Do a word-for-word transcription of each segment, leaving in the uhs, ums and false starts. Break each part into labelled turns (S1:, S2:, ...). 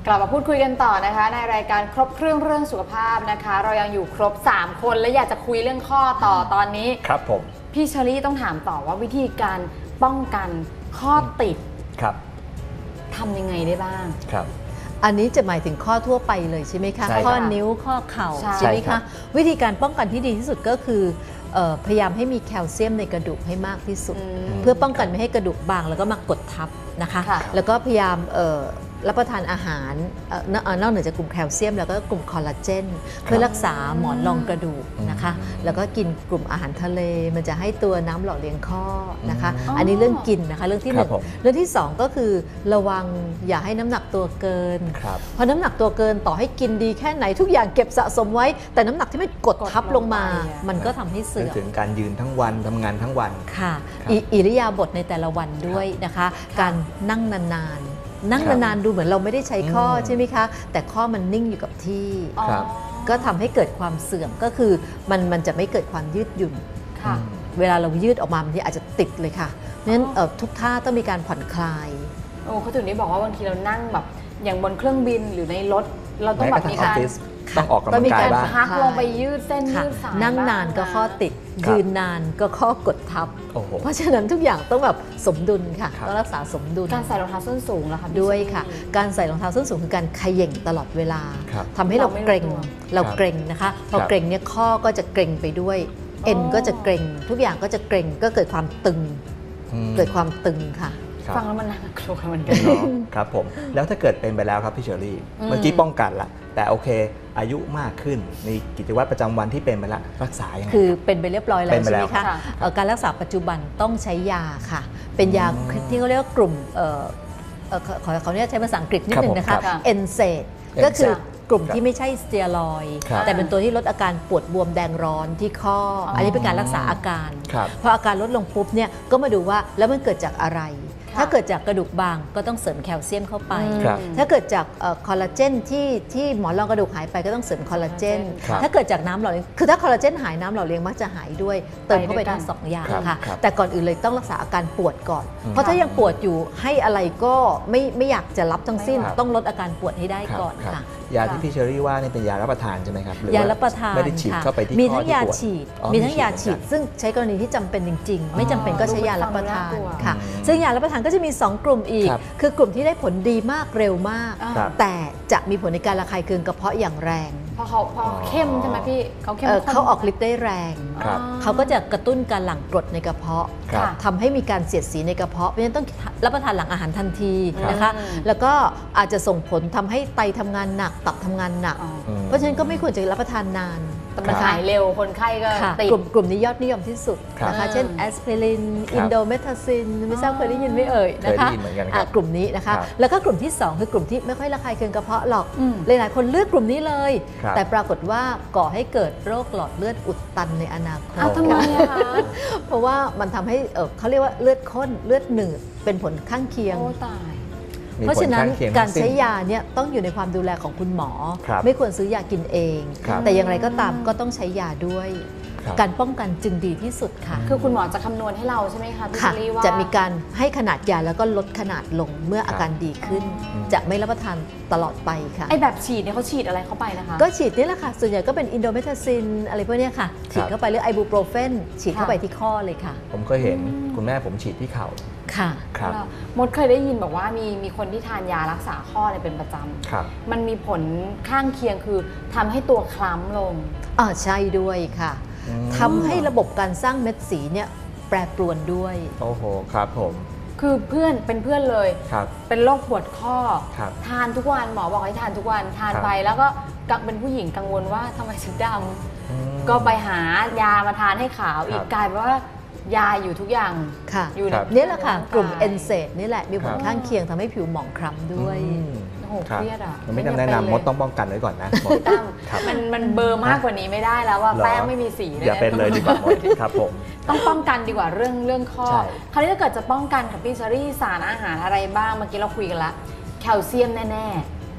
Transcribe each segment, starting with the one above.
S1: กลับมาพูดคุยกันต่อนะคะในรายการครบเครื่องเรื่องสุขภาพนะคะเรายังอยู่ครบสามคนและอยากจะคุยเรื่องข้อต่อตอนนี้
S2: ครับผม
S1: พี่เชอรี่ต้องถามต่อว่าวิธีการป้องกันข้อติด
S2: ครับ
S1: ทำยังไงได้บ้าง
S2: ครับ
S3: อันนี้จะหมายถึงข้อทั่วไปเลยใช่ไหมคะข้อนิ้วข้อเข่าใช่ไหมคะวิธีการป้องกันที่ดีที่สุดก็คือพยายามให้มีแคลเซียมในกระดูกให้มากที่สุดเพื่อป้องกันไม่ให้กระดูกบางแล้วก็มากดทับนะคะแล้วก็พยายามรับประทานอาหารนอกเหนือจากกลุ่มแคลเซียมแล้วก็กลุ่มคอลลาเจนเพื่อรักษาหมอนรองกระดูกนะคะแล้วก็กินกลุ่มอาหารทะเลมันจะให้ตัวน้ำหล่อเลี้ยงข้อนะคะอันนี้เรื่องกินนะคะเรื่องที่หนึ่งเรื่องที่สองก็คือระวังอย่าให้น้ำหนักตัวเกินเพราะน้ำหนักตัวเกินต่อให้กินดีแค่ไหนทุกอย่างเก็บสะสมไว้แต่น้ำหนักที่ไม่กดทับลงมามันก็ทำให้เสื่อม
S2: ถึงการยืนทั้งวันทำงานทั้งวัน
S3: ค่ะอิริยาบถในแต่ละวันด้วยนะคะการนั่งนานๆนั่งนานๆดูเหมือนเราไม่ได้ใช้ข้อใช่ไหมคะแต่ข้อมันนิ่งอยู่กับที่ก็ทำให้เกิดความเสื่อมก็คือมันมันจะไม่เกิดความยืดหยุ่นเวลาเรายืดออกมาบางทีอาจจะติดเลยค่ะเพราะฉะนั้นทุกท่าต้องมีการผ่อนคลาย
S1: โอ้เขาถึงได้บอกว่าบางทีเรานั่งแบบอย่างบนเครื่องบินหรือในรถเราต้องแบบมีการ
S2: ต้องออกกำลังกายบ้าง
S1: พักลงไปยืดเส้นยืดสาย
S3: นั่งนานก็ข้อติดยืนนานก็ข้อกดทับเพราะฉะนั้นทุกอย่างต้องแบบสมดุลค่ะต้องรักษาสมดุล
S1: การใส่รองเท้าส้นสูงแล้วค่ะ
S3: ด้วยค่ะการใส่รองเท้าส้นสูงคือการเขย่งตลอดเวลาทำให้เราเกร็งเราเกร็งนะคะพอเกร็งเนี่ยข้อก็จะเกร็งไปด้วยเอ็นก็จะเกร็งทุกอย่างก็จะเกร็งก็เกิดความตึงเกิดความตึงค่ะ
S1: ฟังแล้วมันน่ากลัวเหมือนกัน
S2: ครับผมแล้วถ้าเกิดเป็นไปแล้วครับพี่เชอรี่เมื่อกี้ป้องกันละแต่โอเคอายุมากขึ้นมีกิจวัตรประจำวันที่เป็นไปแล้วรักษายังไง
S3: คือเป็นไปเรียบร้อยแล้วใช่ไหมคะการรักษาปัจจุบันต้องใช้ยาค่ะเป็นยาที่เขาเรียกว่ากลุ่มขอขออนุญาตใช้ภาษาอังกฤษนิดนึงนะคะเอนเซดก็คือกลุ่มที่ไม่ใช่สเตียรอยด์แต่เป็นตัวที่ลดอาการปวดบวมแดงร้อนที่ข้ออันนี้เป็นการรักษาอาการพออาการลดลงปุ๊บเนี่ยก็มาดูว่าแล้วมันเกิดจากอะไรถ้าเกิดจากกระดูกบางก็ต้องเสริมแคลเซียมเข้าไปถ้าเกิดจากคอลลาเจนที่ที่หมอนรองกระดูกหายไปก็ต้องเสริมคอลลาเจนถ้าเกิดจากน้ำหล่อเลี้ยงคือถ้าคอลลาเจนหายน้ำหล่อเลี้ยงมักจะหายด้วยเติมเข้าไปทั้งสองอย่างค่ะแต่ก่อนอื่นเลยต้องรักษาอาการปวดก่อนเพราะถ้ายังปวดอยู่ให้อะไรก็ไม่ไม่อยากจะรับทั้งสิ้นต้องลดอาการปวดให้ได้ก่อนค่ะ
S2: ยาที่พี่เชอรี่ว่านี่เป็นยารับประทานใช่ไหมครับ
S3: ยารับประทาน
S2: ไม่ได้ฉีดเข้าไปที่
S3: มีทั้งยาฉีดมีทั้งยาฉีดซึ่งใช้กรณีที่จำเป็นจริงๆไม่จำเป็นก็ใช้ยารับประทานค่ะซึ่งยารับประทานก็จะมีสองกลุ่มอีกคือกลุ่มที่ได้ผลดีมากเร็วมากแต่จะมีผลในการระคายเคืองกระเพาะอย่างแรง
S1: เพราะเขาพอเข้มใช่ไหมพี่เขาเข้ม
S3: เขาออกฤทธิ์ได้แรงเขาก็จะกระตุ้นการหลั่งกรดในกระเพาะทำให้มีการเสียดสีในกระเพาะเพราะฉะนั้นต้องรับประทานหลังอาหารทันทีนะคะแล้วก็อาจจะส่งผลทำให้ไตทำงานหนักตับทำงานหนักเพราะฉะนั้นก็ไม่ควรจะรับประทานนาน
S1: แต่มันหายเร็วคนไข้ก็ติด
S3: กลุ่มกลุ่มนี้ยอดนิยมที่สุดนะคะเช่นแอสไพรินอินโดเมทาซินไม่ทราบเคยได้ยินไหมเอ่ยนะคะกลุ่มนี้นะคะแล้วก็กลุ่มที่สองคือกลุ่มที่ไม่ค่อยระคายเคืองกระเพาะหรอกหลายๆคนเลือกกลุ่มนี้เลยแต่ปรากฏว่าก่อให้เกิดโรคหลอดเลือดอุดตันในอนาคต
S1: ทำไมคะ
S3: เพราะว่ามันทำให้เขาเรียกว่าเลือดข้นเลือดหนืดเป็นผลข้างเคียงเพราะฉะนั้นการใช้ยาเนี่ยต้องอยู่ในความดูแลของคุณหมอไม่ควรซื้อยากินเองแต่อย่างไรก็ตามก็ต้องใช้ยาด้วยการป้องกันจึงดีที่สุดค่ะ
S1: คือคุณหมอจะคำนวณให้เราใช่ไหมคะพี่เชอรี่ว่า
S3: จะมีการให้ขนาดยาแล้วก็ลดขนาดลงเมื่ออาการดีขึ้นจะไม่รับประทานตลอดไปค่ะ
S1: ไอแบบฉีดเนี่ยเขาฉีดอะไรเข้าไปนะคะ
S3: ก็ฉีดนี่แหละค่ะส่วนใหญ่ก็เป็นอินโดเมทาซินอะไรพวกนี้ค่ะฉีดเข้าไปหรือไอบูโปรเฟนฉีดเข้าไปที่ข้อเลยค่ะ
S2: ผมเคยเห็นคุณแม่ผมฉีดที่เข่า
S3: ค่ะ
S2: ครับ
S1: มดเคยได้ยินบอกว่ามีมีคนที่ทานยารักษาข้อเนี่ยเป็นประจำมันมีผลข้างเคียงคือทำให้ตัวคล้ำลง
S3: อ๋อใช่ด้วยค่ะทำให้ระบบการสร้างเม็ดสีเนี่ยแปรปรวนด้วย
S2: โอ้โหครับผม
S1: คือเพื่อนเป็นเพื่อนเลยเป็นโรคปวดข้อทานทุกวันหมอบอกให้ทานทุกวันทานไปแล้วก็เป็นผู้หญิงกังวลว่าทำไมถึงดำก็ไปหายามาทานให้ขาวอีกกลายเป็นว่ายาอยู่ทุกอย่าง
S3: ค่ะอยู่นี่แหละค่ะกลุ่มเอนเซดนี่แหละมีผลข้างเคียงทำให้ผิวหมองคล้ำด้วย
S1: โอ้โหเครียดอ่ะ
S2: ไม่แนะนำมดต้องป้องกันไว้ก่อนนะ
S1: มันมันเบอร์มากกว่านี้ไม่ได้แล้วว่าแป้งไม่มีสี
S2: อย่าเป็นเลยดีกว่ามดครับผม
S1: ต้องป้องกันดีกว่าเรื่องเรื่องข้อคราวนี้ถ้าเกิดจะป้องกันกับพี่เชอรี่สารอาหารอะไรบ้างเมื่อกี้เราคุยกันละแคลเซียมแน่ๆ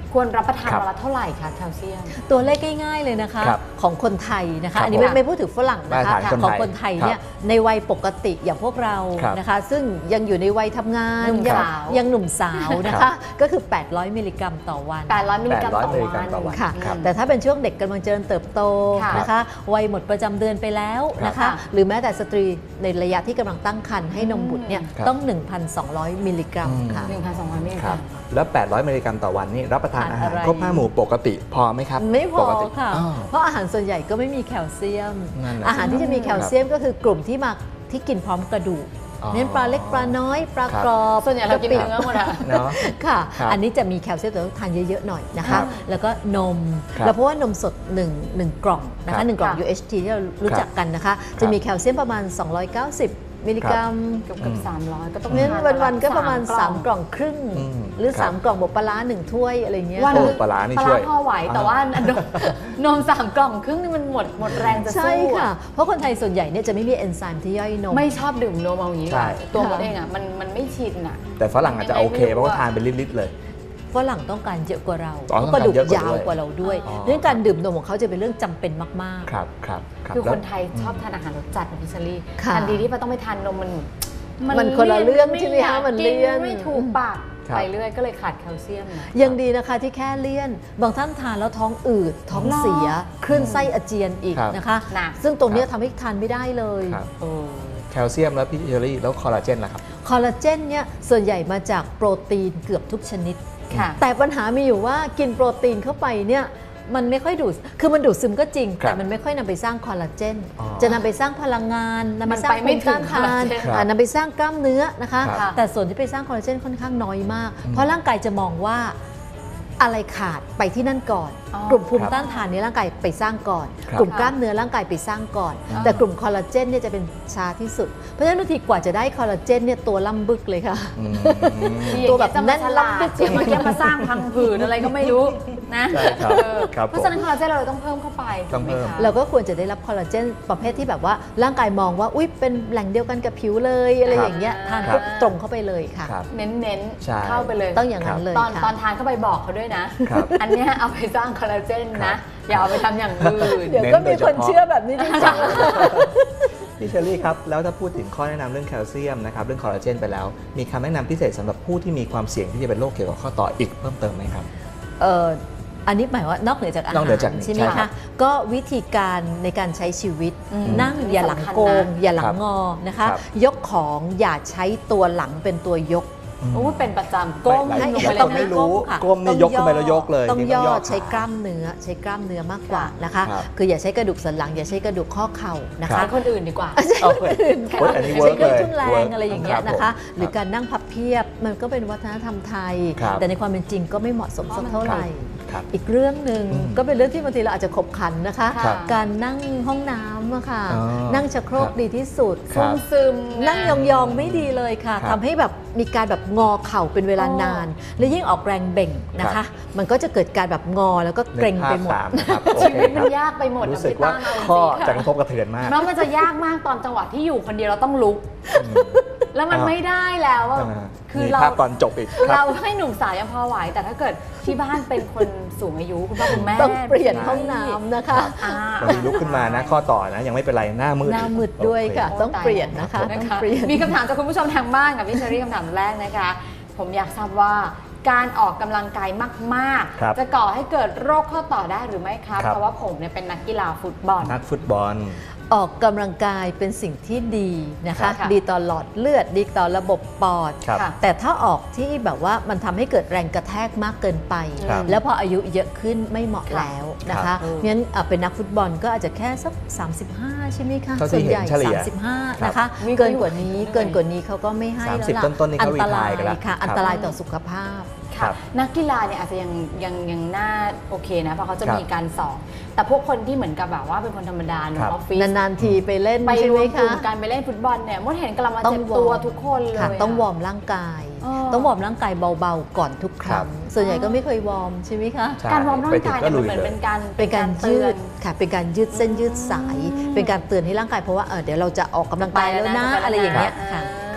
S1: ควรรับประทาน
S2: ครับ
S1: วันละเท่าไหร่คะแคลเซียม
S3: ตัวเลขง่ายๆเลยนะคะ
S2: ครับ
S3: ของคนไทยนะ
S2: ครั
S3: คะ
S2: บ
S3: อันนี้ไม่
S2: ผม
S3: ไม่พูดถึงฝรั่งนะคะ
S2: มาตรฐานคน
S3: ของ
S2: ไทย
S3: คนไทย
S2: ครับ
S3: เนี่ยในวัยปกติอย่างพวกเรา
S2: ครับ
S3: นะคะ ซึ่งยังอยู่ในวัยทำงาน
S1: หนุ่ม
S3: ยัง
S1: สาว
S3: ยังหนุ่มสาวนะ
S2: ครั
S3: คะ
S2: บ
S3: ก็คือ แปดร้อย มิลลิกรัมต่อวัน
S1: แปดร้อยมิลลิกรัม
S2: แปดร้อย
S1: ต่อ
S2: มิลลิกรั
S1: วั
S2: ม
S1: น
S2: ต่อวัน
S3: ค่ะ
S2: ครับ
S3: แต่ถ้าเป็นช่วงเด็กกำลังเจริญเติบโต
S1: ค่ะ
S3: นะคะวัยหมดประจำเดือนไปแล้วนะ
S1: ครั
S3: คะ
S1: บ
S3: หรือแม้แต่สตรีในระยะที่กำลังตั้งครรภ์ให้นมบุตรเนี่ย
S2: ครับ
S3: ต้อง หนึ่งพันสองร้อย มิลลิกรัม
S2: อืม
S3: ค่ะ
S1: หนึ่งพันสองร้อยมิลลิ
S2: ค
S1: ก
S2: รั
S1: รับ ม
S2: แล้ว แปดร้อย มิลลิกรัมต่อวันนี่รับประทานอาหาร
S3: อะไร
S2: ครบห้าหมู่ปกติพอไหมครับ
S3: ไม่พอ
S2: ปกติ
S3: ค่ะ
S2: อ้าว
S3: เพราะอาหารส่วนใหญ่ก็ไม่มีแคลเซียม
S2: นั่นน่ะ
S3: อาหารที่จะมีแคลเซียมก็คือกลุ่มที่มาที่กินพร้อมกระดูก
S2: อ๋อ
S3: เน้นปลาเล็กปลาน้อยปลา
S2: ครับ
S3: กรอบ
S1: ส่วนใหญ่เรากิน
S3: ะปิ
S1: เนื้อหมดอะ
S2: เนาะ
S3: ค่ะ
S2: ครับ
S3: อันนี้จะมีแคลเซียมแต่ต้องทานเยอะๆหน่อยนะ
S2: ครั
S3: คะ
S2: บ
S3: แล้วก็นม
S2: ครับ
S3: แล้วเพราะว่านมสด1 1กล่องนะ
S2: ครั
S3: คะ
S2: บ
S3: หนึ่งกล่อง
S1: ค่ะ
S3: ยู เอช ที ที่เรารู้จักกันนะคะ
S2: ค
S3: จะ
S2: รับ
S3: มีแคลเซียมประมาณ สองร้อยเก้าสิบ มิลลิกรัม
S1: เกือบเกือบสามร้อยก็ต้อง
S3: เน้น
S1: ทา
S3: วันๆก็ประมาณ
S1: ส
S3: สาม กล่องครึ่ง
S2: อืม
S3: หรือ
S2: ครับ
S3: 3 กล่องบวกปลาร้าหนึ่งถ้วยอะไรเงี้ย
S1: วัน
S2: โอ้
S1: หนึ่ง
S2: ปลาร้านี่
S1: ปลา
S2: ช่
S1: ร้า
S2: วย
S1: พอไหวแต่
S2: อ่า
S1: ว่านมนมสามกล่องครึ่งนี่มันหมดหมดแรงจะ
S3: ใช่
S1: สู้
S3: ค่ะ
S1: อะ
S3: เพราะคนไทยส่วนใหญ่เนี่ยจะไม่มีเอนไซม์ที่ย่อยนม
S1: ไม่ชอบดื่มนมเอาอย่างนี้
S2: ใช่
S1: ค่ะตัวมดเองอ่ะมันมันไม่ชินอ่ะ
S2: แต่ฝรั่งอาจจะโอเคเพราะว่าทานเป็นลิตรๆเลย
S3: ฝรั่งต้องการเยอะกว่าเรา
S2: อ๋อ
S3: เพราะกระดูก
S2: ต้องการเยอะกว่า
S3: ยาวกว่าเราด้วย
S2: อ๋อ
S3: เรื่องการดื่มนมของเขาจะเป็นเรื่องจำเป็นมาก
S2: ครับครับรับ
S1: คือ
S2: แล้ว
S1: คนไทยชอบทานอาหารรสจัดนะพี่เชอรี่
S3: ค่ะ
S1: ทันทีที่เราต้องไปทานนมมัน
S3: มันคนละเรื่อง
S1: ไม่
S3: ใช่ไหม
S1: อยา
S3: คะ
S1: ก
S3: มัน
S1: กิ
S3: เลี่ยน
S1: ไม่ถูกปาก
S2: ครับ
S1: ไปเรื่อยก็เลยขาดแคลเซียมนะ
S3: ๆ ยังดีนะคะที่แค่เลี่ยน บางท่านทานแล้วท้องอืด ท้องเสียคลื่นไส้อาเจียนอีก
S2: ครับ
S3: นะคะ
S1: หนัก
S3: ซึ่งตรงเนี้ย
S2: ครับ
S3: ทำให้ทานไม่ได้เลย
S2: ครับ
S1: เออ
S2: แคลเซียมแล้วพี่เชอรี่แล้วคอลลาเจนล่ะครับ
S3: คอลลาเจนเนี่ยส่วนใหญ่มาจากโปรตีนเกือบทุกชนิด
S1: ค่ะ
S3: แต่ปัญหามีอยู่ว่ากินโปรตีนเข้าไปเนี่ยมันไม่ค่อยดูด คือมันดูดซึมก็จริง
S2: ครับ
S3: แต่มันไม่ค่อยนำไปสร้างคอลลาเจน
S2: อ๋อ
S3: จะนำไปสร้างพลังงานนำไปสร้าง
S1: มันไปไม่
S3: ภูมิต้าน
S1: ถึง
S3: ทาน
S1: คอลลาเจน
S3: อ่านำไปสร้างกล้ามเนื้อนะคะ
S2: ครับ
S3: แต่ส่วนที่ไปสร้างคอลลาเจนค่อนข้างน้อยมาก
S2: อืม
S3: เพราะร่างกายจะมองว่าอะไรขาดไปที่นั่นก่อน
S1: อ๋อ
S3: กลุ่มภูมิต้านทานในร่างกายไปสร้างก่อน
S2: ครับ
S3: กลุ่มกล้ามเนื้อร่างกายไปสร้างก่อน
S1: อ่า
S3: แต่กลุ่มคอลลาเจนเนี่ยจะเป็นช้าที่สุด เพราะฉะนั้นบางทีกว่าจะได้คอลลาเจนเนี่ยตัวล่ำบึกเลยค่ะ
S2: อืม
S3: ตัวแบบ
S1: จะมา
S3: แน่น
S1: ฉลา
S3: ลำบึ
S1: ด
S3: ก
S1: เจียมาเกี้ยมาสร้างพังผืดอะไรก็ไม่รู้นะ
S2: ใช่ครับ
S1: เออ
S2: ครับ
S1: เพราะฉะนั้นคอลลาเจนเราต้องเพิ่มเข้าไป
S2: ต้องเพิ่ม
S1: ถูกไหคะ
S3: เราก็ควรจะได้รับคอลลาเจนประเภทที่แบบว่าร่างกายมองว่าอุ๊ยเป็นแหล่งเดียวกันกับผิวเลยอะไร
S2: ครับ
S3: อย่างเงี้ยทาน
S2: ครับ
S3: ปุ๊บตรงเข้าไปเลยค่ะ
S2: ครับ
S1: เน้นเน้นๆ
S2: ใช่
S1: เข้าไปเลย
S3: ต้องอย่างนั้นเลย
S1: ตอน
S3: ค่ะ
S1: ตอนทานเข้าไปบอกเขาด้วยนะ
S2: ครับ
S1: อันเนี้ยเอาไปสร้างคอลลาเจน
S2: ครั
S1: นะ
S2: บ
S1: อย่าเอาไปทำอย่างอื่น
S3: เดี๋ยวก็มีคนเชื่อแบบนี้จริง
S2: พี่เชอรี่ครับ แล้วถ้าพูดถึงข้อแนะนำเรื่องแคลเซียมนะครับเรื่องคอลลาเจนไปแล้ว มีคำแนะนำพิเศษสำหรับผู้ที่มีความเสี่ยงที่จะเป็นโรคเกี่ยวกับข้อต่ออีกเพิ่มเติมไหมครับ
S3: ๆเอ่ออันนี้หมายว่านอกเหนือจากอาหาร
S2: นอกเหนือจากนี้
S3: ใช่ไหม
S2: ใช่ครั
S3: คะ
S2: บ
S3: ก็วิธีการในการใช้ชีวิต
S1: อืม
S3: นั่งอย่าหลังโกง
S1: สำคัญนะ
S3: อย่าหลั
S2: ครั
S3: ง
S2: บ
S3: งอนะคะ
S2: ครับ
S3: ยกของอย่าใช้ตัวหลังเป็นตัวยก
S1: โอ้เป็นประจำก้ม
S2: ไม่
S1: ลง
S2: อย่า
S1: ไปเล
S2: ต้อย ง
S1: นะ
S2: ไม่รู้
S3: ค่ะ
S2: ก้มนี่ยกขึ้นไปแล้วยกเลย
S3: ต้อง
S2: นี่
S3: ย่อ
S2: ขา
S3: ใช้กล้ามเนื้อใช้กล้ามเนื้อมากกว่านะคะ
S2: ครับ
S3: คืออย่าใช้กระดูกสันหลัง อย่าใช้กระดูกข้อเข่านะ
S2: ครั
S3: คะ
S2: บ
S1: ใช้คนอื่นดีกว่า
S2: เอาเว้ยโอ๊ยอันนี้เวิ
S3: ใช้
S2: ร์ก
S3: เครื่
S2: เล
S3: อง
S2: ย
S3: ทุ่นแร
S2: เวิ
S3: ง
S2: ร์ก
S3: อะไรอย่าง
S2: ค
S3: เงี้
S2: รั
S3: ย
S2: บ
S3: นะคะ
S2: ผม
S3: หรือการนั่งพับเพียบมันก็เป็นวัฒนธรรมไทย
S2: ครับ
S3: แต่ในความเป็นจริงก็ไม่เหมาะสมสักเท่าไหร่
S2: ครับ
S3: อีกเรื่องหนึ่ง
S2: อืม
S3: ก็เป็นเรื่องที่บางทีเราอาจจะขบขันนะคะ
S1: ครับ
S3: การนั่งห้องน้ำอะค่ะ
S2: อ๋อ
S3: นั่งชักโครก
S2: ครับ
S3: ดีที่สุด
S2: ครับ
S1: ซึมๆ
S3: นั่งยองๆไม่ดีเลยค่ะ
S2: ครับ
S3: ทำให้แบบมีการแบบงอเข่าเป็นเวลานาน และยิ่งออกแรงเบ่งนะ
S2: ครั
S3: คะ
S2: บ
S3: มันก็จะเกิดการแบบงอแล้วก็เกร็งไปหมด
S2: นึกภาพตามนะครับโอ
S1: ชี
S2: เค
S1: วิต
S2: ค
S1: มั
S2: รั
S1: น
S2: บ
S1: ยากไปหมดอะ
S2: รู้สึก
S1: พี่
S2: ว่า
S1: ตั้มเอาจริงๆ
S2: ข้อ
S1: ค่ะ
S2: จะกระทบกระเทือนมาก
S1: แล้วมันจะยากมากตอนจังหวะที่อยู่คนเดียวเราต้องลุก แล้วมัน
S2: อ่า
S1: ไม่ได้แล้วอะ
S2: อ่า
S1: คือ
S2: มี
S1: เรา
S2: ภาพตอนจบอีกค
S1: เรา
S2: รับ
S1: ให้หนุ่มสาวยังพอไหว แต่ถ้าเกิดที่บ้านเป็นคนสูงอายุคุณพ่อคุณแม่
S3: ต้องเปลี่ยนห้องน้ำนะคะ
S1: อ่า
S2: บางทีลุกขึ้นมานะข้อต่อนะยังไม่เป็นไรหน้ามืด
S3: หน้ามืดด้วยค่ะ
S2: โอเ
S3: ต้องเปลี่ยนนะคะ
S1: นะ
S3: ต้อง
S1: คะ
S3: เปลี่ยน
S1: มีคำถามจากคุณผู้ชมทางบ้านกับพี่เชอรี่คำถามแรกนะคะ ผมอยากทราบว่าการออกกำลังกายมาก
S2: ครับ
S1: ๆ จะก่อให้เกิดโรคข้อต่อได้หรือไม่ครับ
S2: ครับ
S1: เพราะว่าผมเนี่ยเป็นนักกีฬาฟุตบอล
S2: นักฟุตบอล
S3: ออกกำลังกายเป็นสิ่งที่ดีนะ
S1: ครั
S3: คะ
S1: บค่ะ
S3: ดีต่อหลอดเลือด ดีต่อระบบปอด
S2: ครับ
S1: ค่ะ
S3: แต่ถ้าออกที่แบบว่ามันทำให้เกิดแรงกระแทกมากเกินไป
S2: ครับ
S3: แล้วพออายุเยอะขึ้นไม่เหมาะแล้วนะ
S2: ครั
S3: คะ
S2: บ
S3: งั้นอ่ะเป็นนักฟุตบอลก็อาจจะแค่สัก สามสิบห้า ใช่ไหมคะ
S2: เท่าที่
S3: ส่วนใหญ่
S2: เห็นเฉลี่ย
S3: สามสิบห้า
S2: ครับ
S3: นะคะ
S1: มี
S3: เกินกว่านี้
S1: คนอยู่
S3: เกินกว่านี้เขาก็ไม่ให้แล้ว
S2: สามสิบ
S3: ล่ะ
S2: ต้นๆนี่
S3: อั
S2: เขา
S3: ตราย
S2: retire กันแล้ว
S3: ค่ะ
S2: ครับ
S3: อันตรายต่อสุขภาพ
S2: ครั
S1: ค่ะ
S2: บ
S1: นักกีฬาเนี่ยอาจจะยังยังยังน่าโอเคนะเพราะเขาจะ
S2: ครับ
S1: มีการสอนแต่พวกคนที่เหมือนกับแบบว่าเป็นคนธรรมดาใน
S2: ครับ
S1: ออฟฟิศ
S3: นานๆทีไปเล่น
S1: ไป
S3: ใช่
S1: ร
S3: ไหม
S1: วมกลุ่
S3: คะ
S1: มการไปเล่นฟุตบอลเนี่ยมดเห็นกำลังมา
S3: ต้อง
S1: เจ็บ
S3: วอร์ม
S1: ตัวทุกคนเลย
S3: ค่ะ
S1: อะ
S3: ต้องวอร์มร่างกาย
S1: เออ
S3: ต้องวอร์มร่างกายเบาๆก่อนทุกครั้ง
S2: ครับ
S3: ส่วนใหญ่ก็ไม่เคยวอร์มใช่ไหมคะ
S2: ใช่
S1: การวอร์มร่างกายเนี่ย
S2: ไป
S1: มัน
S2: ถึง
S1: เหมือน
S2: ก็ลุย
S1: เป็นการ
S3: เป็นการ
S1: เตื
S3: ยื
S1: อน
S3: ดค่ะเป็นการยืดเส้นยืดสาย
S1: อืม
S3: เป็นการเตือนให้ร่างกายเพราะว่าเออเดี๋ยวเราจะออกกำลังกายแล้วนะ
S1: ไปแล้วนะ
S3: อะไรอย่างเงี้ยค่ะ
S2: ครับ
S1: อ่า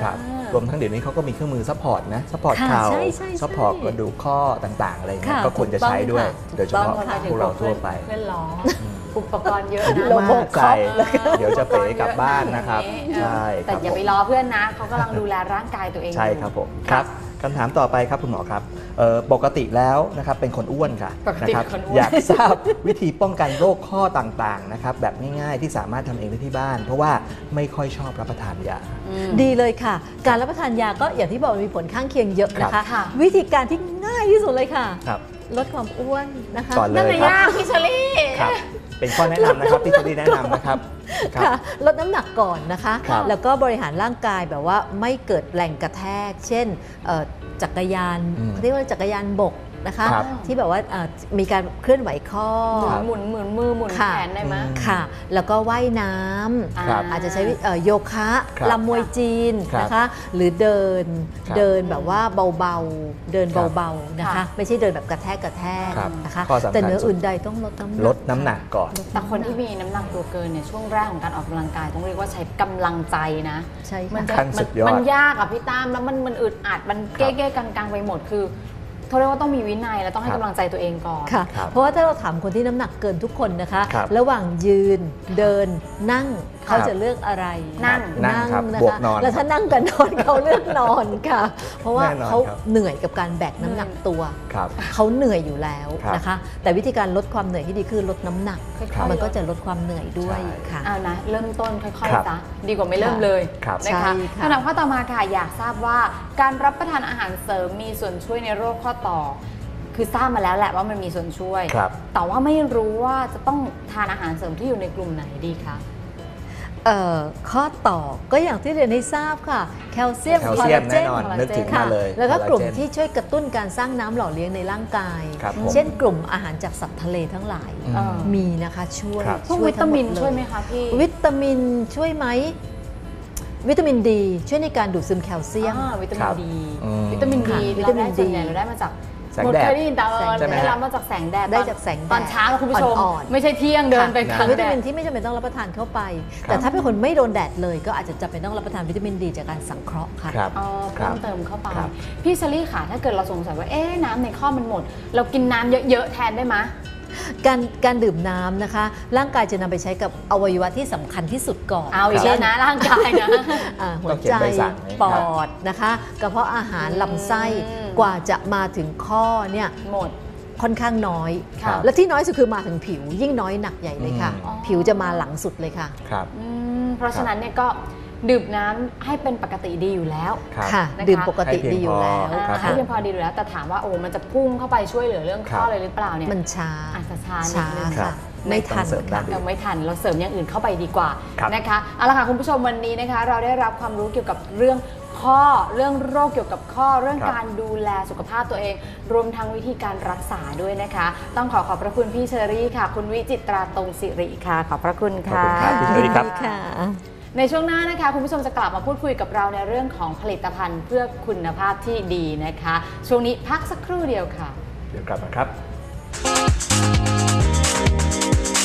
S2: รวมทั้งเดี๋ยวนี้เขาก็มีเครื่องมือซัพพอร์ตนะซัพพอร์ต
S3: ค่ะ
S2: เข่า
S3: ใช่ใช่ใช่
S2: ซัพพอร์ตกระดูกข้อต่างๆอะไรเงี้ย
S3: ค่ะ
S2: ก็ควรจะใช้ด้วย
S3: ถูกต้องค่ะ
S2: โดยเฉพาะ
S1: ถูกต้อง
S2: พวกเราทั่วไป
S1: เพื่อนล้ออุปกรณ์เยอะ
S2: อายุ
S1: นะ
S2: มากใจเดี๋ยวจะเป๋กลับบ้านนะครับ
S1: เออ
S2: ใช่ค
S1: แต่
S2: รับ
S1: อย่า
S2: ผ
S1: ไป
S2: ม
S1: ล้อเพื่อนนะเขากำลังดูแลร่างกายตัวเองอยู่
S2: ใช่ครับผมครับคำถามต่อไปครับคุณหมอครับเอ่อปกติแล้วนะครับเป็นคนอ้วนค่ะ
S1: ปก
S2: นะ
S1: ติ
S2: ครับ
S1: คนอ้วน
S2: อยากทราบวิธีป้องกันโรคข้อต่างๆนะครับแบบง่ายๆที่สามารถทำเองได้ที่บ้าน เพราะว่าไม่ค่อยชอบรับประทานยา
S1: อืม
S3: ดีเลยค่ะ การรับประทานยาก็อย่างที่บอกมีผลข้างเคียงเยอะนะ
S2: ครั
S3: คะ
S2: บ
S1: ค่ะ
S3: วิธีการที่ง่ายที่สุดเลยค่ะ
S2: ครับ
S3: ลดความอ้วนนะคะ
S2: ก่อนเล
S1: นั่น
S2: ย
S1: ไม่
S2: ครับ
S1: ยากพี่เชอรี่
S2: ครับเป็นข้อแนะนำนะครับที่จะได้แนะนำนะครับครับ
S3: ค่ะลดน้ำหนักก่อนนะคะ
S2: ครับ
S3: แล้วก็บริหารร่างกายแบบว่าไม่เกิดแรงกระแทก เช่นเอ่อจักรยาน
S2: อืม
S3: เขาเรียกว่าจักรยานบกนะคะ
S2: ครับ
S3: ที่แบบว่าเอ่อมีการเคลื่อนไหวข้อ
S1: หมุนหมุนหมุนมือหมุนแข
S3: ค่ะ
S1: นได้ไหม
S2: อืม
S3: ค่ะ แล้วก็ว่ายน้ำ
S2: ครับ
S3: อาจจะใช้วิเอ่อโยคะ
S2: ครับ
S3: ลำมวยจีน
S2: ครับ
S3: นะคะ หรือเดิน
S2: ครับ
S3: เดินแบบว่าเบาๆ เดิน
S2: ครับ
S3: เบาๆนะคะ
S1: ค่ะ
S3: ไม่ใช่เดินแบบกระแทกกระแทก
S2: ครับ
S3: นะคะ
S2: ข้อสำคัญ
S3: แต่เหนื้ออื่นใดต้องลดน้ำหนัก
S2: ลดน้ำหนักก่อน
S1: แต่คนที่มีน้ำหนักตัวเกินเนี่ยช่วงแรกของการออกกำลังกายต้องเรียกว่าใช้กำลังใจนะ
S3: ใช่
S1: มั
S3: ค่ะ
S1: จะ
S2: ขั้นสุดยอด
S1: มันยากอะพี่ตั้มแล้วมันมันอึดอัดมัน
S2: ครั
S1: เก้
S2: บ
S1: เก้กังกังๆไปหมดคือเขาเรียกว่าต้องมีวินัยและต้องให้
S2: ครับ
S1: กำลังใจตัวเองก่อน
S3: ค่ะ
S2: ครับ
S3: เพราะว่าถ้าเราถามคนที่น้ำหนักเกินทุกคนนะคะ
S2: ครับ
S3: ระหว่างยืนเดินนั่งเขา
S2: ครับ
S3: จะเลือกอะไร
S1: นั่ง
S2: นั่งครับ
S3: นะ
S2: บวก
S3: คะ
S2: นอน
S3: แล้วถ้านั่งกับนอนเขาเลือกนอนค่ะ เพราะว่า
S2: แน่นอน
S3: เขา
S2: ครับ
S3: เหนื่อยกับการแบกน้ำหนักตัว
S2: ครับ
S3: เขาเหนื่อยอยู่แล้ว
S2: ครับ
S3: นะคะ แต่วิธีการลดความเหนื่อยที่ดีคือลดน้ำหนัก
S1: ค่อยๆ
S3: มันก็
S1: ลด
S3: จะลดความเหนื่อยด้วย
S2: ใช่
S3: ค่ะ
S1: เอานะเริ่มต้นค่อย
S2: ครับ
S1: ๆซะดีกว่าไม่เริ่มเลย
S2: ครับ
S1: นะคะ
S3: ใช่ค่ะ
S1: คำถามข้อต่อมาค่ะอยากทราบว่าการรับประทานอาหารเสริมมีส่วนช่วยในโรคข้อต่อ คือทราบมาแล้วแหละว่ามันมีส่วนช่วย
S2: ครับ
S1: แต่ว่าไม่รู้ว่าจะต้องทานอาหารเสริมที่อยู่ในกลุ่มไหนดีคะ
S3: เอ่อข้อต่อก็อย่างที่เรียนให้ทราบค่ะ แคลเซียม
S2: แคล
S3: คอล
S2: เซีย
S3: ลาม เจ
S2: แน่
S3: น
S2: นอน
S1: คอลลาเจน
S2: นึกถึง
S3: ค่ะ
S2: มาเลย
S3: แล้วก็กลุ่ม
S2: คอลลาเจน
S3: ที่ช่วยกระตุ้นการสร้างน้ำหล่อเลี้ยงในร่างกาย
S2: ครับผม
S3: เช่นกลุ่มอาหารจากสัตว์ทะเลทั้งหลาย
S2: อืม
S1: เออ
S3: มีนะคะช่วย
S2: ครับ
S1: พวก
S3: ช่วย
S1: วิตามิน
S3: ทั้งดเล
S1: ช่วยไหมคะพี่
S3: วิตามินช่วยไหมวิตามินดีช่วยในการดูดซึมแคลเซียม
S1: อ่าวิตา
S2: ค
S1: มิ
S2: รั
S1: น
S2: บ
S1: ดี
S2: อืม
S1: วิตามิน
S3: ค่ะ
S1: ดี
S3: วิ
S1: เรา
S3: ตามิ
S1: ได้
S3: น
S1: ส่วนใหญ่
S3: ดี
S1: เราได้มาจาก
S2: แสงแดด
S1: เคยได้ยินแต่เออ
S2: ใช่ไหม
S1: ได้
S2: ฮะ
S1: รับมาจากแสงแดด
S3: ได้
S1: ตอน
S3: จากแสงแดด
S1: ตอนเช้าคุณผู้ชม
S3: อ่อนๆ
S1: ไม่ใช่เที่ยงเดินไป
S2: ค่ะ
S1: กลาง
S3: วิ
S1: แด
S3: ตามิ
S1: ด
S3: นที่ไม่จำเป็นต้องรับประทานเข้าไป
S2: ครับ
S3: แต่ถ้าเป็นคนไม่โดนแดดเลยก็อาจจะจำเป็นต้องรับประทานวิตามินดีจากการสังเคราะห์ค่ะ
S2: ครับ
S1: อ๋อ
S2: ครั
S1: เพิ่
S2: บ
S1: มเติมเข้าไป
S2: ครับ
S1: พี่ซารี่ค่ะถ้าเกิดเราสงสัยว่าเอ๊ะน้ำในข้อมันหมด เรากินน้ำเยอะๆแทนได้ไหม
S3: การการดื่มน้ำนะคะ ร่างกายจะนำไปใช้กับอวัยวะที่สำคัญที่สุดก่อน
S1: เอาอีก
S3: เช่
S1: แล้วนะร่างกายนะ
S3: อ่าหั
S2: ต้
S3: ว
S2: องเขีย
S3: ใจ
S2: นใบสั่งไหม
S3: ปอดนะคะกระเพาะอาหาร
S1: อืม
S3: ลำไส้กว่าจะมาถึงข้อเนี่ย
S1: หมด
S3: ค่อนข้างน้อย
S1: ครับ
S3: และที่น้อยสุดคือมาถึงผิว ยิ่งน้อยหนักใหญ่เลยค่ะ
S2: อืม
S3: ผิวจะมาหลังสุดเลยค่ะ
S2: ครับ
S1: อืมเพราะฉะนั้นเนี่ยก็ดื่มน้ำให้เป็นปกติดีอยู่แล้ว
S2: ครับ
S3: ค่ะ
S1: นะคะ
S3: ดื่มปกติดีอยู่แล้ว
S2: ให้เพียงพอ
S1: อ่า
S2: ครับ
S1: ให้เพียงพอดีอยู่แล้ว แต่ถามว่าโอ้มันจะพุ่งเข้าไปช่วยเหลือเรื่องข้อ
S2: ครับ
S1: เลยหรือเปล่าเนี่ย
S3: มันช้า
S1: อาจจะช้านิด
S3: ช้า
S1: นึง
S2: ครั
S3: ค่ะ
S2: บ
S3: ไม่ทัน
S2: ต้องเสริมด้า
S3: ค่ะ
S2: นอื่น
S1: เราไม่ทันเราเสริมอย่างอื่นเข้าไปดีกว่า
S2: ครับ
S1: นะคะเอาละค่ะคุณผู้ชมวันนี้นะคะ เราได้รับความรู้เกี่ยวกับเรื่องข้อเรื่องโรคเกี่ยวกับข้อเรื่อง
S2: ครับ
S1: การดูแลสุขภาพตัวเอง รวมทั้งวิธีการรักษาด้วยนะคะ ต้องขอขอบพระคุณพี่เชอรี่ค่ะ คุณวิจิตราตรงสิริค่ะ ขอบพระคุณ
S2: ขอบ
S1: ค่ะ
S2: คุณครับพี่เชอรี่ครับ
S3: ค่ะ
S1: ในช่วงหน้านะคะคุณผู้ชมจะกลับมาพูดคุยกับเราในเรื่องของผลิตภัณฑ์เพื่อคุณภาพที่ดีนะคะ ช่วงนี้พักสักครู่เดียวค่ะ
S2: เดี๋ยวกลับมาครับ